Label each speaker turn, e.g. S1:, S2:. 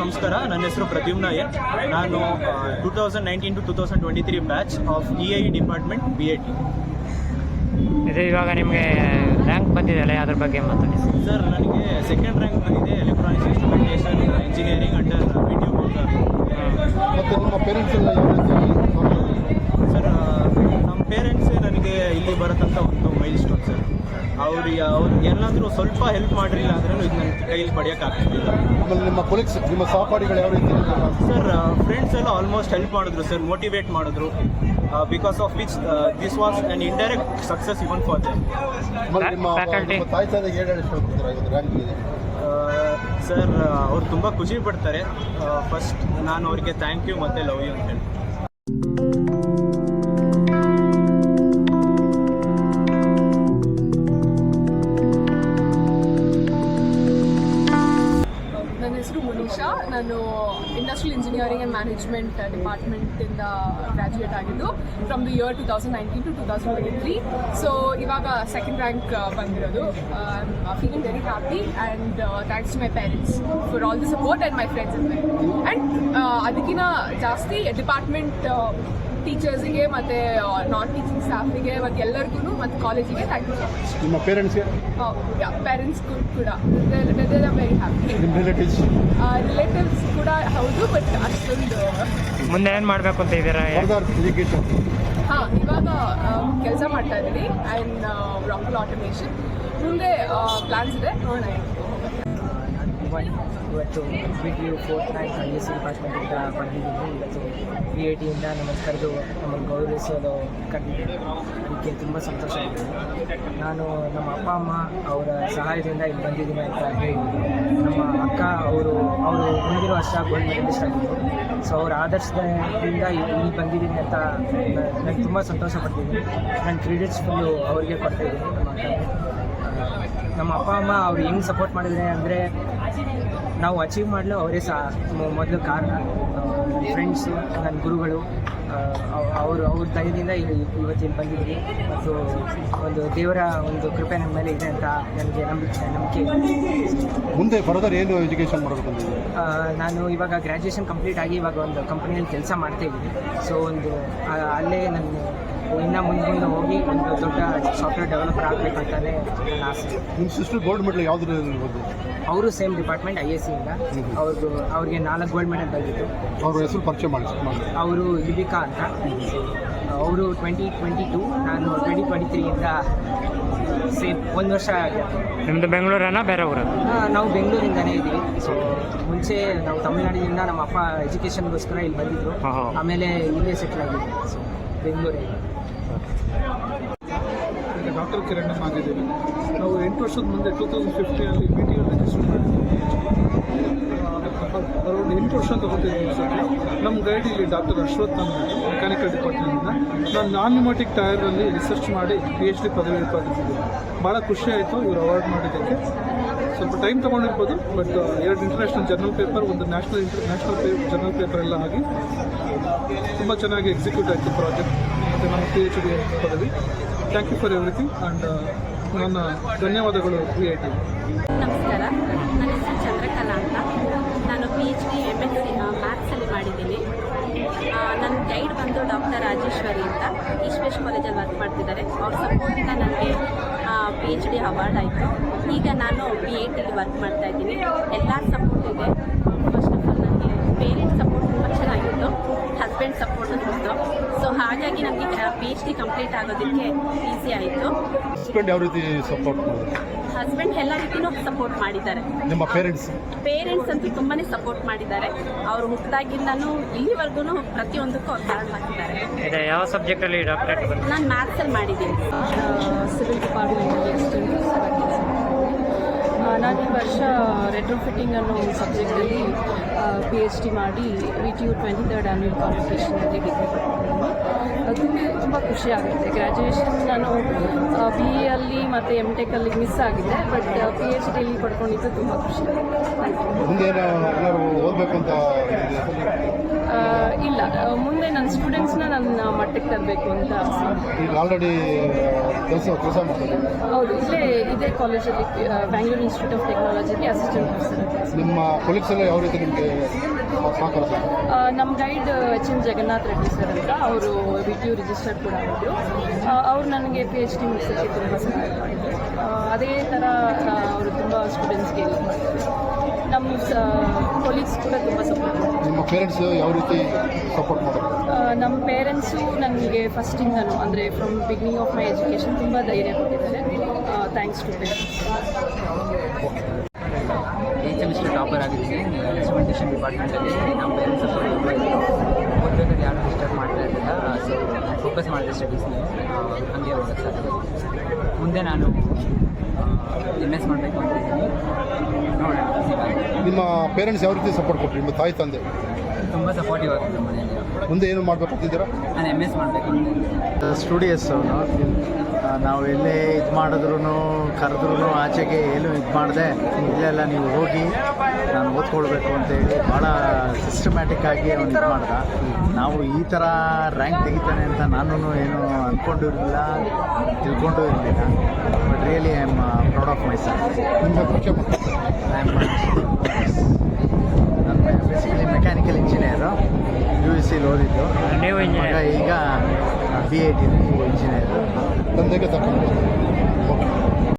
S1: ನಮಸ್ಕಾರ. ನನ್ನ ಹೆಸರು ಪ್ರದ್ಯುಮ್ನ ಎನ್. ನಾನು 2019 to 2023 batch of EIE department BAT.
S2: ಇದು ಇವಾಗ ನಿಮಗೆ ರ್ಯಾಂಕ್ ಬಂದಿದೆಯಲ್ಲ, ಅದ್ರ ಬಗ್ಗೆ ಮಾತಾಡಿ
S1: ಸರ್. ನನಗೆ ಸೆಕೆಂಡ್ ರ್ಯಾಂಕ್ ಬಂದಿದೆ electronics instrumentation engineering under video
S3: ಮತ್ತು ನಿಮ್ಮ ಪೇರೆಂಟ್ಸ್ ಎಲ್ಲ
S1: ಸರ್, ನಮ್ಮ ಪೇರೆಂಟ್ಸೇ ನನಗೆ ಇಲ್ಲಿ ಬರತಂಥ ಒಂದು ಮೈಲ್ ಸ್ಟೋನ್ ಸರ್. ಅವ್ರು ಎಲ್ಲಾದರೂ ಸ್ವಲ್ಪ ಹೆಲ್ಪ್ ಮಾಡಿರಲಿಲ್ಲ ಅಂದ್ರೂ ಇದು ನನ್ನ ಕೈಲಿ ಪಡೆಯೋಕ್ಕಾಗ್ತಿಲ್ಲ.
S3: ಆಮೇಲೆ ನಿಮ್ಮ ಕೊಲೀಗ್ಸ್, ನಿಮ್ಮ ಸಹಪಾಠಿಗಳು ಯಾವ ರೀತಿ
S1: ಸರ್? ಫ್ರೆಂಡ್ಸ್ ಎಲ್ಲ ಆಲ್ಮೋಸ್ಟ್ ಹೆಲ್ಪ್ ಮಾಡಿದ್ರು ಸರ್, ಮೋಟಿವೇಟ್ ಮಾಡಿದ್ರು. Because of which this was an indirect success even for them.
S3: ತಾಯಿ ತಂದೆಗೆ ಏನು ರ್ಯಾಂಕ್ ಇದೆ
S1: ಸರ್? ಅವ್ರು ತುಂಬ ಖುಷಿ ಪಡ್ತಾರೆ. ಫಸ್ಟ್ ನಾನು ಅವ್ರಿಗೆ ಥ್ಯಾಂಕ್ ಯು ಮತ್ತು ಲವ್ ಯು ಅಂತ ಹೇಳಿ.
S4: ನನ್ನ ಹೆಸರು ಮುನೀಶಾ. ನಾನು ಇಂಡಸ್ಟ್ರಿಯಲ್ ಇಂಜಿನಿಯರಿಂಗ್ ಆ್ಯಂಡ್ ಮ್ಯಾನೇಜ್ಮೆಂಟ್ ಡಿಪಾರ್ಟ್ಮೆಂಟ್ಯಿಂದ ಗ್ರ್ಯಾಜುಯೇಟ್ ಆಗಿದ್ದು from the year 2019 to 2023. So ಇವಾಗ ಸೆಕೆಂಡ್ ರ್ಯಾಂಕ್ ಬಂದಿರೋದು. I am feeling very happy and thanks to my parents for all the support and my friends and ಅದಕ್ಕಿಂತ ಜಾಸ್ತಿ ಡಿಪಾರ್ಟ್ಮೆಂಟ್ ಟೀಚರ್ಸಿಗೆ ಮತ್ತು ನಾನ್ teaching ಸ್ಟಾಫಿಗೆ ಮತ್ತು ಎಲ್ಲರಿಗೂ ಮತ್ತು ಕಾಲೇಜಿಗೆ ಥ್ಯಾಂಕ್ ಯು ಸೊ ಮಚ್.
S3: ನಿಮ್ಮ ಪೇರೆಂಟ್ಸ್ಗೆ?
S4: ಪೇರೆಂಟ್ಸ್ ಕೂಡ ವೆರಿ ಹ್ಯಾಪಿ.
S3: ನಿಮ್ಮ
S4: ರಿಲೇಟಿವ್ಸ್ ಕೂಡ ಹೌದು, ಬಟ್ ಅಷ್ಟೊಂದು.
S2: ಮುಂದೆ ಏನು ಮಾಡಬೇಕು ಅಂತ ಇದ್ದೀರಾ?
S3: ಎಜುಕೇಷನ್
S4: ಇವಾಗ ಕೆಲಸ ಮಾಡ್ತಾ ಇದ್ದೀನಿ ಆ್ಯಂಡ್ ರಾಕೆಲ್ ಆಟೋಮೇಷನ್. ಮುಂದೆ ಪ್ಲಾನ್ಸ್ ಇದೆ, ನೋಡೋಣ.
S5: ಇವತ್ತು BTU 4th ರ್ಯಾಂಕ್ ISC ಡಿಪಾರ್ಟ್ಮೆಂಟಿಂದ ಬಂದಿದ್ದೀನಿ. ಇವತ್ತು BATಯಿಂದ ನಮ್ಮನ್ನು ಕರೆದು ನಮ್ಮನ್ನು ಗೌರವಿಸೋದು ಕಂಡಿದ್ದೀನಿ. ಅದಕ್ಕೆ ತುಂಬ ಸಂತೋಷ ಆಗಿದೆ. ನಾನು ನಮ್ಮ ಅಪ್ಪ ಅಮ್ಮ ಅವರ ಸಹಾಯದಿಂದ ಇಲ್ಲಿ ಬಂದಿದ್ದೀನಿ ಅಂತ ಹೇಳಿದ್ದೀನಿ. ನಮ್ಮ ಅಕ್ಕ ಅವರು ಮುಂದಿನ ವರ್ಷ ಗೋಲ್ಡ್ ಮೆಡಲಿಸ್ಟ್ ಆಗಿದ್ದರು. ಸೊ ಅವರ ಆದರ್ಶದಿಂದ ಇಲ್ಲಿ ಬಂದಿದ್ದೀನಿ ಅಂತ ನನಗೆ ತುಂಬ ಸಂತೋಷ ಪಡ್ತಿದ್ದೀನಿ. ನನ್ನ ಕ್ರೆಡಿಟ್ಸ್ ಫುಲ್ಲು ಅವ್ರಿಗೆ ಕೊಡ್ತಾಯಿದ್ದೀನಿ, ನಮ್ಮ ಅಕ್ಕನಿಗೆ. ನಮ್ಮ ಅಪ್ಪ ಅಮ್ಮ ಅವ್ರು ಹೆಂಗೆ ಸಪೋರ್ಟ್ ಮಾಡಿದರೆ ಅಂದರೆ, ನಾವು ಅಚೀವ್ ಮಾಡಲು ಅವರೇ ಮೊದಲು ಕಾರಣ. ಫ್ರೆಂಡ್ಸು, ನನ್ನ ಗುರುಗಳು, ಅವ್ರ ದಯದಿಂದ ಇವತ್ತಿನ ಬಂದಿದ್ದೀನಿ. ಮತ್ತು ಒಂದು ದೇವರ ಒಂದು ಕೃಪೆ ನನ್ನ ಮೇಲೆ ಇದೆ ಅಂತ ನನಗೆ ನಂಬಿಕೆ.
S3: ಮುಂದೆ ಫರ್ದರ್ ಏನು ಎಜುಕೇಷನ್ ಮಾಡಬೇಕು?
S5: ನಾನು ಇವಾಗ ಗ್ರ್ಯಾಜುಯೇಷನ್ ಕಂಪ್ಲೀಟ್ ಆಗಿ ಇವಾಗ ಒಂದು ಕಂಪ್ನಿಯಲ್ಲಿ ಕೆಲಸ ಮಾಡ್ತಾಯಿದ್ದೀನಿ. ಸೊ ಅಲ್ಲೇ ನಾನು ಇನ್ನು ಮುಂದೆ ಹೋಗಿ ಒಂದು ದೊಡ್ಡ ಸಾಫ್ಟ್ವೇರ್ ಡೆವಲಪರ್ ಆಗಬೇಕಂತಾನೆ ನನ್ನ ಆಸೆ.
S3: ನಿಮ್ಮ ಸಿಸ್ಟರ್ ಗೋಲ್ಡ್ ಮೆಡಲ್ ಯಾವುದ್ರಲ್ಲಿ ಬಂದು?
S5: ಅವರು ಸೇಮ್ ಡಿಪಾರ್ಟ್ಮೆಂಟ್ ISCಯಿಂದ. ಅವ್ರಿಗೆ 4 ಗೋಲ್ಡ್ ಮೆಡಲ್ ಬಂದಿತ್ತು.
S3: ಅವ್ರ ಹೆಸರು ಪರಿಚಯ ಮಾಡಿ.
S5: ಅವರು ಲಿಬಿಕಾ ಅಂತ. ಅವರು 2022, ನಾನು 2023ಇಂದ ಸೇಮ್ 1 ವರ್ಷ ಆಗಿದೆ.
S2: ನಿಮ್ಮದು ಬೆಂಗಳೂರನ್ನ ಬೇರೆ ಊರ?
S5: ನಾವು ಬೆಂಗಳೂರಿಂದನೇ ಇದ್ದೀವಿ. ಸೊ ಮುಂಚೆ ನಾವು ತಮಿಳ್ನಾಡಿನಿಂದ ನಮ್ಮ ಅಪ್ಪ ಎಜುಕೇಷನ್ಗೋಸ್ಕರ ಇಲ್ಲಿ ಬಂದಿದ್ದರು. ಆಮೇಲೆ ಇಲ್ಲೇ ಸೆಟ್ಲ್ ಆಗಿದ್ವಿ. ಸೊ ಬೆಂಗಳೂರಿಗೆ.
S6: ಡಾಕ್ಟರ್ ಕಿರಣ್ ಆಗಿದ್ದೀವಿ. ನಾವು 8 ವರ್ಷದ ಮುಂದೆ 2015 BTU ರಿಜಿಸ್ಟರ್ ಮಾಡಿದ್ವಿ. ಅರೌಂಡ್ 8 ವರ್ಷ ತಗೋತಿದ್ವಿ ಸರ್. ನಮ್ಮ ಗೈಡ್ ಇಲ್ಲಿ ಡಾಕ್ಟರ್ ಅಶ್ವಥ್ ಅಂತ, ಮೆಕ್ಯಾನಿಕಲ್ ಡಿಪಾರ್ಟ್ಮೆಂಟಿಂದ. ನಾನು ನಾನ್-ನ್ಯೂಮ್ಯಾಟಿಕ್ ಟೈರಲ್ಲಿ ರಿಸರ್ಚ್ ಮಾಡಿ PhD ಪದವಿ ಪಡೆದಿದ್ದೀನಿ. ಭಾಳ ಖುಷಿ ಆಯಿತು ಇವರು ಅವಾರ್ಡ್ ಮಾಡಿದ್ದಕ್ಕೆ. ಸ್ವಲ್ಪ ಟೈಮ್ ತೊಗೊಂಡಿರ್ಬೋದು, ಬಟ್ 2 ಇಂಟರ್ನ್ಯಾಷನಲ್ ಜರ್ನಲ್ ಪೇಪರ್, ಒಂದು ನ್ಯಾಷನಲ್ ಜರ್ನಲ್ ಪೇಪರ್ ಎಲ್ಲ ಆಗಿ ತುಂಬ ಚೆನ್ನಾಗಿ ಎಕ್ಸಿಕ್ಯೂಟ್ ಆಯಿತು ಪ್ರಾಜೆಕ್ಟ್. ಮತ್ತು ನಮ್ಮ PhD ಪದವಿ. Thank you for everything and ನನ್ನ ಧನ್ಯವಾದಗಳು BAT.
S7: ನಮಸ್ಕಾರ, ನನ್ನ ಹೆಸರು ಚಂದ್ರಕಲಾ ಅಂತ. ನಾನು PhD MSc ಮ್ಯಾಥ್ಸಲ್ಲಿ ಮಾಡಿದ್ದೀನಿ. ನನ್ನ ಗೈಡ್ ಬಂದು ಡಾಕ್ಟರ್ ರಾಜೇಶ್ವರಿ ಅಂತ, ಈಶ್ವೇಶ್ ಕಾಲೇಜಲ್ಲಿ ವರ್ಕ್ ಮಾಡ್ತಿದ್ದಾರೆ. ಅವ್ರ ಸಪೋರ್ಟಿಂದ ನನಗೆ PhD ಅವಾರ್ಡ್ ಆಯಿತು. ಈಗ ನಾನು BATಲಿ ವರ್ಕ್ ಮಾಡ್ತಾಯಿದ್ದೀನಿ. ಎಲ್ಲರ ಸಪೋರ್ಟ್ ಇದೆ. ಫಸ್ಟ್ ಆಫ್ ಆಲ್ ನನಗೆ ಪೇರೆಂಟ್ಸ್ ಸಪೋರ್ಟ್ ತುಂಬ ಚೆನ್ನಾಗಿತ್ತು, ಹಸ್ಬೆಂಡ್ ಸಪೋರ್ಟ್ ಇತ್ತು. ಸೊ ಹಾಗಾಗಿ ನನಗೆ PhD ಕಂಪ್ಲೀಟ್ ಆಗೋದಕ್ಕೆ ಈಸಿ ಆಯಿತು.
S3: ಹಸ್ಬೆಂಡ್ ಯಾವ ರೀತಿ ಸಪೋರ್ಟ್ ಮಾಡಿದ್ರು?
S7: ಹಸ್ಬೆಂಡ್ ಎಲ್ಲ ರೀತಿಯೂ ಸಪೋರ್ಟ್ ಮಾಡಿದ್ದಾರೆ.
S3: ನಿಮ್ಮ ಪೇರೆಂಟ್ಸ್
S7: ಅಂತೂ ತುಂಬಾ ಸಪೋರ್ಟ್ ಮಾಡಿದ್ದಾರೆ. ಅವರು ಹುಟ್ಟಿದಾಗಿಂದನೂ ಇಲ್ಲಿವರೆಗೂ ಪ್ರತಿಯೊಂದಕ್ಕೂ ಅವ್ರು ಕಾರಣವಾಗಿದ್ದಾರೆ.
S2: ಯಾವ ಸಬ್ಜೆಕ್ಟಲ್ಲಿ ಡಾಕ್ಟರೇಟ್?
S7: ನಾನು ಮ್ಯಾಥ್ಸಲ್ಲಿ ಮಾಡಿದ್ದೀನಿ.
S4: ಸಿವಿಲ್ ಡಿಪಾರ್ಟ್ಮೆಂಟಲ್ಲಿ ಅಸಿಸ್ಟೆಂಟ್ ಕೆಲಸ. ನಾನು ಈ ವರ್ಷ ರೆಟ್ರೋಫಿಟ್ಟಿಂಗ್ ಅನ್ನೋ ಒಂದು ಸಬ್ಜೆಕ್ಟಲ್ಲಿ PhD ಮಾಡಿ BTU 23rd ಆ್ಯನ್ಯುವಲ್ ಕಾಂಪಿಟೇಷನಲ್ಲಿ ಡಿಗ್ರಿ
S8: ಮಾಡಿದ್ದೀನಿ. ತುಂಬ ಖುಷಿ ಆಗುತ್ತೆ. ಗ್ರ್ಯಾಜುಯೇಷನ್ ನಾನು ಬಿ ಎಲ್ಲಿ ಮತ್ತು ಎಮ್ ಟೆಕಲ್ಲಿ ಮಿಸ್ ಆಗಿದೆ, ಬಟ್ ಪಿ ಎಚ್ ಡಿಲಿ ಪಡ್ಕೊಂಡಿದ್ದು ತುಂಬ ಖುಷಿ ಆಗುತ್ತೆ.
S3: ಮುಂದೆ ಏನಾದ್ರು ಓದಬೇಕು ಅಂತ ಇದೆ?
S8: ಇಲ್ಲ, ಮುಂದೆ ನನ್ನ ಸ್ಟೂಡೆಂಟ್ಸ್ನ ನನ್ನ ಮಟ್ಟಕ್ಕೆ ತರಬೇಕು ಅಂತ ಆಸೆ.
S3: ಈಗ ಆಲ್ರೆಡಿ ಕೆಲಸ ಮಾಡ್ತಾರೆ.
S8: ಹೌದು, ಇದೇ ಕಾಲೇಜಲ್ಲಿ ಬ್ಯಾಂಗ್ಳೂರ್ ಇನ್ಸ್ಟಿಟ್ಯೂಟ್ ಆಫ್ ಟೆಕ್ನಾಲಜಿಗೆ ಅಸಿಸ್ಟೆಂಟ್ ಪ್ರೊಫೆಸರ್.
S3: ನಿಮ್ಮ ಕೊಲೀಗ್ಸ್ ಎಲ್ಲ ಯಾವ ರೀತಿ ನಿಮಗೆ ಸಹಕಾರ?
S8: ನಮ್ಮ guide H N Jagannath Reddy sir ಅಂತ, ಅವರು ವಿ ಟಿ ಯು ರಿಜಿಸ್ಟರ್ ಕೂಡ ಆಗಿದ್ರು. ಅವ್ರು ನನಗೆ ಪಿ ಎಚ್ ಡಿ ಮುಗಿಸೋಕ್ಕೆ ತುಂಬ ಸಹಾಯ ಮಾಡಿದ್ರು. ಅದೇ ಥರ ಅವರು ತುಂಬ ಸ್ಟೂಡೆಂಟ್ಸ್ಗೆ ಹೆಲ್ಪ್ ಮಾಡ್ತಾರೆ. ನಮ್ಮ ಕೊಲೀಗ್ಸ್ ಕೂಡ ತುಂಬ ಸಪೋರ್ಟ್ ಮಾಡ್ತಾರೆ.
S3: ನಿಮ್ಮ ಪೇರೆಂಟ್ಸ್ ಯಾವ ರೀತಿ ಸಪೋರ್ಟ್ ಮಾಡೋದು?
S8: ನಮ್ಮ ಪೇರೆಂಟ್ಸು ನನಗೆ ಫಸ್ಟಿಂದನೂ, ಅಂದರೆ from beginning of my education ತುಂಬ ಧೈರ್ಯ ಕೊಟ್ಟಿದ್ದಾರೆ. Thanks to parents.
S5: ಈ ಸೆಮಿಸ್ಟರ್ ಟಾಪರ್ ಆಗಿದ್ದೀನಿ ಇನ್ಸ್ಟ್ರುಮೆಂಟೇಷನ್ ಡಿಪಾರ್ಟ್ಮೆಂಟಲ್ಲಿ. ನಮ್ಮ ಪೇರೆಂಟ್ಸ್ ಸಪೋರ್ಟ್ ತುಂಬ ಇತ್ತು. ಓದಬೇಕಾದ್ರೆ ಯಾರು ಡಿಸ್ಟರ್ಬ್ ಮಾಡ್ತಾ ಇರಲಿಲ್ಲ. ಸೊ ಫೋಕಸ್ ಮಾಡಿದೆ ಸ್ಟಡೀಸ್ನ. ಹಾಗೆ ಹೋಗೋಕ್ಕೆ ಸಾಧ್ಯ. ಮುಂದೆ ನಾನು MS ಮಾಡಬೇಕು ಅಂತಿದ್ದೀನಿ. ನೋಡೋಣ.
S3: ನಿಮ್ಮ ಪೇರೆಂಟ್ಸ್ ಯಾವ ರೀತಿ ಸಪೋರ್ಟ್ ಕೊಟ್ಟರು? ನಿಮ್ಮ ತಾಯಿ ತಂದೆ
S5: ತುಂಬ ಸಪೋರ್ಟಿವ್ ಆಗ್ತದೆ ಮನೆಯಲ್ಲಿ.
S3: ಮುಂದೆ ಏನು ಮಾಡಬೇಕಂತಿದ್ದೀರಾ?
S5: ನಾನು MS ಮಾಡಬೇಕು ಅಂತ.
S9: ಸ್ಟುಡಿಯಸ್ ಅವನು. ನಾವು ಎಲ್ಲೇ ಇದು ಮಾಡಿದ್ರು ಕರೆದ್ರೂ ಆಚೆಗೆ ಏನು ಇದು ಮಾಡಿದೆ, ಇಲ್ಲೆಲ್ಲ ನೀವು ಹೋಗಿ ನಾನು ಓದ್ಕೊಳ್ಬೇಕು ಅಂತೇಳಿ ಭಾಳ ಸಿಸ್ಟಮ್ಯಾಟಿಕ್ ಆಗಿ ಅವನು ಇದು ಮಾಡ್ದ. ನಾವು ಈ ಥರ ರ್ಯಾಂಕ್ ತೆಗಿತಾನೆ ಅಂತ ನಾನು ಏನು ಅಂದ್ಕೊಂಡಿರಲಿಲ್ಲ, ತಿಳ್ಕೊಂಡು ಇರಲಿಲ್ಲ. But really I am proud of my son.
S3: ನಿಮ್ಮ ಪರಿಚಯ
S9: ನಾನು ಬೇಸಿಕಲಿ ಮೆಕ್ಯಾನಿಕಲ್ ಇಂಜಿನಿಯರು, UEC ಓದಿದ್ದು.
S2: ನೀವು
S9: ಮಗ ಈಗ BIT ಇಂಜಿನಿಯರು.
S3: ತಂದೆಗೆ ತಗೊಂಡು